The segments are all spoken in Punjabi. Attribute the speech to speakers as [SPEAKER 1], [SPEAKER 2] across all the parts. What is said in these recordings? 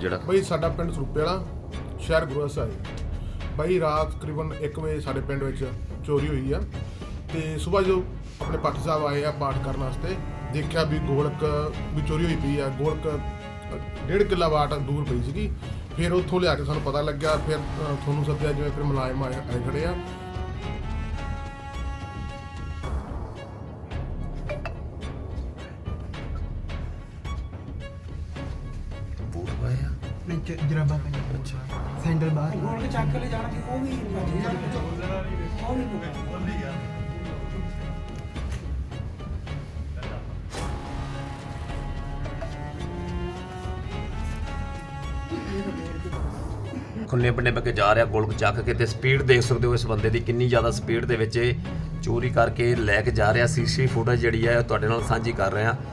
[SPEAKER 1] ਜਿਹੜਾ
[SPEAKER 2] ਬਈ ਸਾਡਾ ਪਿੰਡ ਸਰੂਪੇ ਵਾਲਾ ਸ਼ਹਿਰ ਗੁਰੂ ਸਾਹਿਬ ਬਈ ਰਾਤ ਤਕਰੀਬਨ 1 ਵਜੇ ਸਾਡੇ ਪਿੰਡ ਵਿੱਚ ਚੋਰੀ ਹੋਈ ਆ ਤੇ ਸਵੇਰ ਜੋ ਆਪਣੇ ਪਾਠੀ ਸਾਹਿਬ ਆਏ ਆ ਪਾਠ ਕਰਨ ਵਾਸਤੇ ਦੇਖਿਆ ਵੀ ਗੋਲਕ ਵੀ ਚੋਰੀ ਹੋਈ ਪਈ ਆ। ਗੋਲਕ 1.5 ਕਿੱਲਾ ਵਾਟ ਦੂਰ ਪਈ ਸੀਗੀ। ਫਿਰ ਉੱਥੋਂ ਲਿਆ ਕੇ ਸਾਨੂੰ ਪਤਾ ਲੱਗਿਆ, ਫਿਰ ਤੁਹਾਨੂੰ ਸੱਦਿਆ, ਜਿਵੇਂ ਫਿਰ ਮੁਲਾਜ਼ਮ ਆਏ ਖੜੇ ਆ।
[SPEAKER 1] ਬੂਟ ਪਾਏ ਆ
[SPEAKER 3] ਨਹੀਂ ਜਰਾਬਾਂ ਪਾਈਆਂ।
[SPEAKER 1] ਅੱਛਾ
[SPEAKER 3] ਸੈਂਡਲ ਬਾਹਰ
[SPEAKER 4] ਗੋਲਕ ਚੱਕ ਕੇ ਲੈ ਜਾਣਾ ਸੀ, ਉਹ ਵੀ
[SPEAKER 1] ਖੁੱਲੇ ਬੰਨੇ ਕੇ ਜਾ ਰਿਹਾ ਗੋਲਕ ਚੱਕ ਕੇ ਤੇ ਸਪੀਡ ਦੇਖ ਸਕਦੇ ਹੋ ਇਸ ਬੰਦੇ ਦੀ ਕਿੰਨੀ ਜ਼ਿਆਦਾ ਸਪੀਡ ਦੇ ਵਿੱਚ ਇਹ ਚੋਰੀ ਕਰਕੇ ਲੈ ਕੇ ਜਾ ਰਿਹਾ। ਸੀਸੀ ਫੁਟੇਜ ਜਿਹੜੀ ਹੈ ਤੁਹਾਡੇ ਨਾਲ ਸਾਂਝੀ ਕਰ ਰਹੇ ਹਾਂ।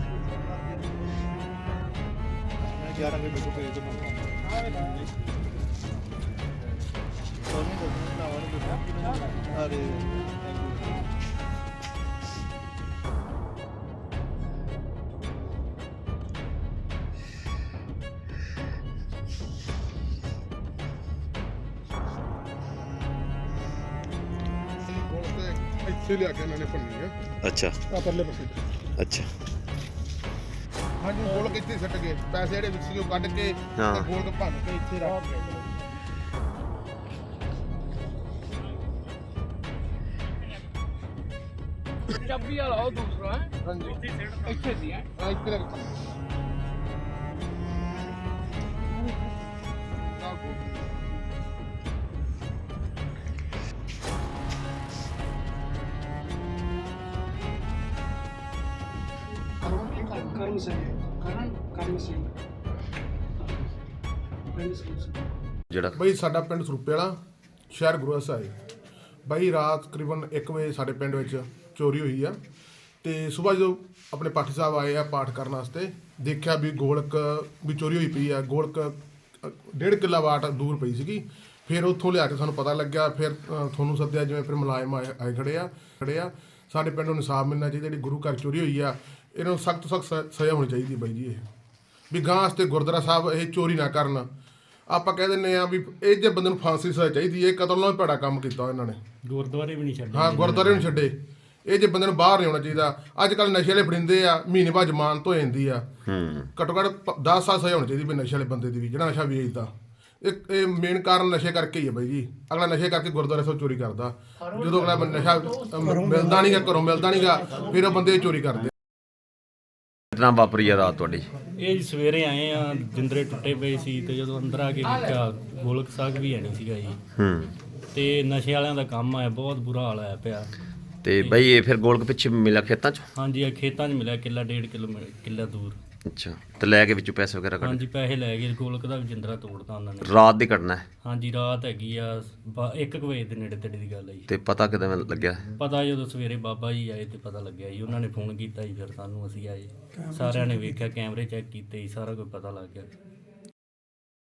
[SPEAKER 2] ਇੱਥੇ ਲਿਆ ਕੇ ਇਹਨਾਂ ਨੇ ਭੰਨੀ ਆ।
[SPEAKER 1] ਅੱਛਾ
[SPEAKER 2] ਆ ਪਰਲੇ ਪਾਸੇ।
[SPEAKER 1] ਅੱਛਾ
[SPEAKER 2] ਹਾਂਜੀ ਗੋਲਕ ਇੱਥੇ ਸੱਟ ਗਏ, ਪੈਸੇ ਜਿਹੜੇ ਵਿੱਚ ਸੀ ਉਹ ਕੱਢ ਕੇ
[SPEAKER 1] ਹਾਂ।
[SPEAKER 2] ਤੇ ਗੋਲਕ ਭੰਨ ਕੇ ਇੱਥੇ ਰੱਖ ਗਏ।
[SPEAKER 4] ਪੰਜਾਬੀ ਵਾਲਾ ਉਹ ਦੂਸਰਾ ਹੈ।
[SPEAKER 2] ਹਾਂਜੀ
[SPEAKER 4] ਇੱਥੇ ਸੀ ਹੈ।
[SPEAKER 2] ਆ ਇੱਥੇ ਰੱਖ
[SPEAKER 4] ਕਰਮ ਸਿੰਘ ਕਰਮ ਸਿੰਘ
[SPEAKER 1] ਜਿਹੜਾ
[SPEAKER 2] ਬਈ ਸਾਡਾ ਪਿੰਡ ਸਰੂਪੇ ਵਾਲਾ ਸ਼ਹਿਰ ਗੁਰੂ ਸਾਹਿਬ ਬਈ ਰਾਤ ਤਕਰੀਬਨ 1 ਵਜੇ ਸਾਡੇ ਪਿੰਡ ਵਿੱਚ ਚੋਰੀ ਹੋਈ ਆ ਤੇ ਸਵੇਰ ਜੋ ਆਪਣੇ ਪਾਠੀ ਸਾਹਿਬ ਆਏ ਆ ਪਾਠ ਕਰਨ ਵਾਸਤੇ ਦੇਖਿਆ ਵੀ ਗੋਲਕ ਵੀ ਚੋਰੀ ਹੋਈ ਪਈ ਆ। ਗੋਲਕ 1.5 ਕਿੱਲਾ ਵਾਟ ਦੂਰ ਪਈ ਸੀਗੀ। ਫਿਰ ਉੱਥੋਂ ਲਿਆ ਕੇ ਸਾਨੂੰ ਪਤਾ ਲੱਗਿਆ, ਫਿਰ ਤੁਹਾਨੂੰ ਸੱਦਿਆ, ਜਿਵੇਂ ਫਿਰ ਮੁਲਾਜ਼ਮ ਆਏ ਖੜੇ ਆ। ਸਾਡੇ ਪਿੰਡ ਨੂੰ ਇਨਸਾਫ ਮਿਲਣਾ ਚਾਹੀਦਾ। ਜਿਹੜੀ ਗੁਰੂ ਘਰ ਚੋਰੀ ਹੋਈ ਆ ਇਹਨਾਂ ਨੂੰ ਸਖਤ ਸਜ਼ਾ ਹੋਣੀ ਚਾਹੀਦੀ ਬਾਈ ਜੀ। ਇਹ ਵੀ ਗਾਂ ਵਾਸਤੇ ਗੁਰਦੁਆਰਾ ਸਾਹਿਬ ਇਹ ਚੋਰੀ ਨਾ ਕਰਨ। ਆਪਾਂ ਕਹਿ ਦਿੰਦੇ ਆ ਵੀ ਇਹ ਜੇ ਬੰਦੇ ਨੂੰ ਫਾਂਸੀ ਸਜ਼ਾ ਚਾਹੀਦੀ ਹੈ। ਕਤਲ ਨਾਲ ਭੈੜਾ ਕੰਮ ਕੀਤਾ ਇਹਨਾਂ ਨੇ।
[SPEAKER 5] ਗੁਰਦੁਆਰੇ ਵੀ ਨਹੀਂ ਛੱਡੇ।
[SPEAKER 2] ਹਾਂ ਗੁਰਦੁਆਰੇ ਨੂੰ ਛੱਡੇ। ਇਹ ਜੇ ਬੰਦੇ ਨੂੰ ਬਾਹਰ ਨਹੀਂ ਆਉਣਾ ਚਾਹੀਦਾ। ਅੱਜ ਕੱਲ ਨਸ਼ੇ ਵਾਲੇ ਫੜਿੰਦੇ ਆ, ਮਹੀਨੇ ਬਾਅਦ ਜ਼ਮਾਨਤ ਹੋ ਜਾਂਦੀ ਆ। ਘੱਟੋ ਘੱਟ 10 ਸਾਲ ਸਜ਼ਾ ਹੋਣੀ ਚਾਹੀਦੀ ਵੀ ਨਸ਼ੇ ਵਾਲੇ ਬੰਦੇ ਦੀ ਵੀ, ਜਿਹੜਾ ਨਸ਼ਾ ਵੇਚਦਾ। ਇਹ ਮੇਨ ਕਾਰਨ ਨਸ਼ੇ ਕਰਕੇ ਹੀ ਹੈ ਬਾਈ ਜੀ। ਅਗਲਾ ਨਸ਼ੇ ਕਰਕੇ ਗੁਰਦੁਆਰੇ ਤੋਂ ਚੋਰੀ ਕਰਦਾ। ਜਦੋਂ ਅਗਲਾ ਨਸ਼ਾ ਮਿਲਦਾ ਨਹੀਂਗਾ, ਘਰੋਂ ਮਿਲਦਾ ਨਹੀਂਗਾ, ਫਿਰ ਉਹ ਬੰਦੇ ਚੋਰੀ ਕਰਦੇ।
[SPEAKER 1] ਕਿਤਨਾ ਵਾਪਰੀ ਆ ਰਾਤ ਤੁਹਾਡੀ?
[SPEAKER 5] ਇਹ ਜੀ ਸਵੇਰੇ ਆਏ ਆ, ਜਿੰਦਰੇ ਟੁੱਟੇ ਪਏ ਸੀ ਤੇ ਜਦੋਂ ਅੰਦਰ ਆ ਕੇ ਵੇਖਿਆ ਗੋਲਕ ਸਾਗ ਵੀ ਹੈ ਨਹੀਂ ਸੀਗਾ ਜੀ। ਤੇ ਨਸ਼ੇ ਵਾਲਿਆਂ ਦਾ ਕੰਮ ਆ, ਬਹੁਤ ਬੁਰਾ ਹਾਲ ਹੋਇਆ ਪਿਆ।
[SPEAKER 1] ਤੇ ਬਈ ਇਹ ਫਿਰ ਗੋਲਕ ਪਿੱਛੇ ਮਿਲਿਆ ਖੇਤਾਂ 'ਚ?
[SPEAKER 5] ਹਾਂਜੀ ਇਹ ਖੇਤਾਂ 'ਚ ਮਿਲਿਆ, ਕਿੱਲਾ 1.5 ਕਿੱਲਾ ਦੂਰ।
[SPEAKER 1] ਅੱਛਾ ਤੇ ਲੈ ਕੇ ਵਿੱਚੋਂ ਪੈਸੇ ਵਗੈਰਾ ਕੱਢ?
[SPEAKER 5] ਹਾਂਜੀ ਪੈਸੇ ਲੈ ਗਏ, ਗੋਲਕ ਦਾ ਵੀ ਜਿੰਦਰਾ ਤੋੜਤਾ ਉਹਨਾਂ ਨੇ।
[SPEAKER 1] ਰਾਤ ਦੀ ਘਟਨਾ ਹੈ?
[SPEAKER 5] ਹਾਂਜੀ ਰਾਤ ਹੈਗੀ ਆ 1 ਵਜੇ ਦੇ ਨੇੜੇ ਤੇੜੇ ਦੀ ਗੱਲ ਹੈ ਜੀ।
[SPEAKER 1] ਤੇ ਪਤਾ ਕਿਦਾਂ ਲੱਗਿਆ?
[SPEAKER 5] ਪਤਾ ਜਦੋਂ ਸਵੇਰੇ ਬਾਬਾ ਜੀ ਆਏ ਤੇ ਪਤਾ ਲੱਗਿਆ ਜੀ। ਉਹਨਾਂ ਨੇ ਫੋਨ ਕੀਤਾ ਜੀ, ਫਿਰ ਸਾਨੂੰ ਅਸੀਂ ਆਏ, ਸਾਰਿਆਂ ਨੇ ਵੇਖਿਆ, ਕੈਮਰੇ ਚੈੱਕ ਕੀਤੇ ਜੀ, ਸਾਰਾ ਕੁਝ ਪਤਾ ਲੱਗ ਗਿਆ।